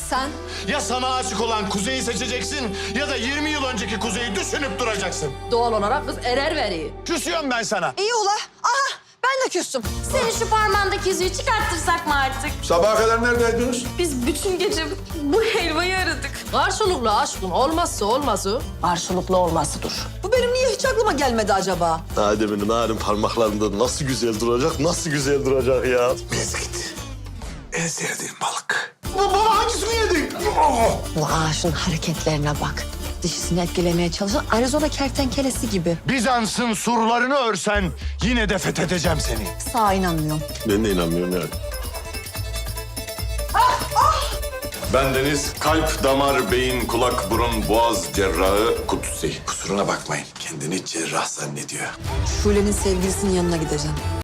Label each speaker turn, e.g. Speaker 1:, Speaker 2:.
Speaker 1: Sen?
Speaker 2: Ya sana aşık olan Kuzey'i seçeceksin ya da 20 yıl önceki Kuzey'i düşünüp duracaksın.
Speaker 3: Doğal olarak kız erer veriyor.
Speaker 2: Küsüyorum ben sana.
Speaker 1: İyi ula. Aha ben de küstüm.
Speaker 4: Senin şu parmağındaki yüzüğü çıkarttırsak mı artık?
Speaker 5: Sabaha kadar neredeydiniz?
Speaker 4: Biz bütün gece bu helvayı aradık.
Speaker 3: Karşılıklı aşkın olmazsa olmazı. Karşılıklı olmasıdır.
Speaker 1: Bu benim niye hiç aklıma gelmedi acaba?
Speaker 6: Adem'in narin parmaklarında nasıl güzel duracak, nasıl güzel duracak ya.
Speaker 5: Mezgit. En sevdiğim balık.
Speaker 2: Baba hangisini yedin?
Speaker 1: Bu ağaçın hareketlerine bak. Dişisini etkilemeye çalışan Arizona kertenkelesi gibi.
Speaker 2: Bizans'ın surlarını örsen yine de fethedeceğim seni.
Speaker 1: Sağa inanmıyorum.
Speaker 6: Ben de inanmıyorum yani.
Speaker 7: Bendeniz kalp, damar, beyin, kulak, burun, boğaz cerrahı Kutsi.
Speaker 5: Kusuruna bakmayın. Kendini cerrah zannediyor.
Speaker 1: Şule'nin sevgilisinin yanına gideceğim.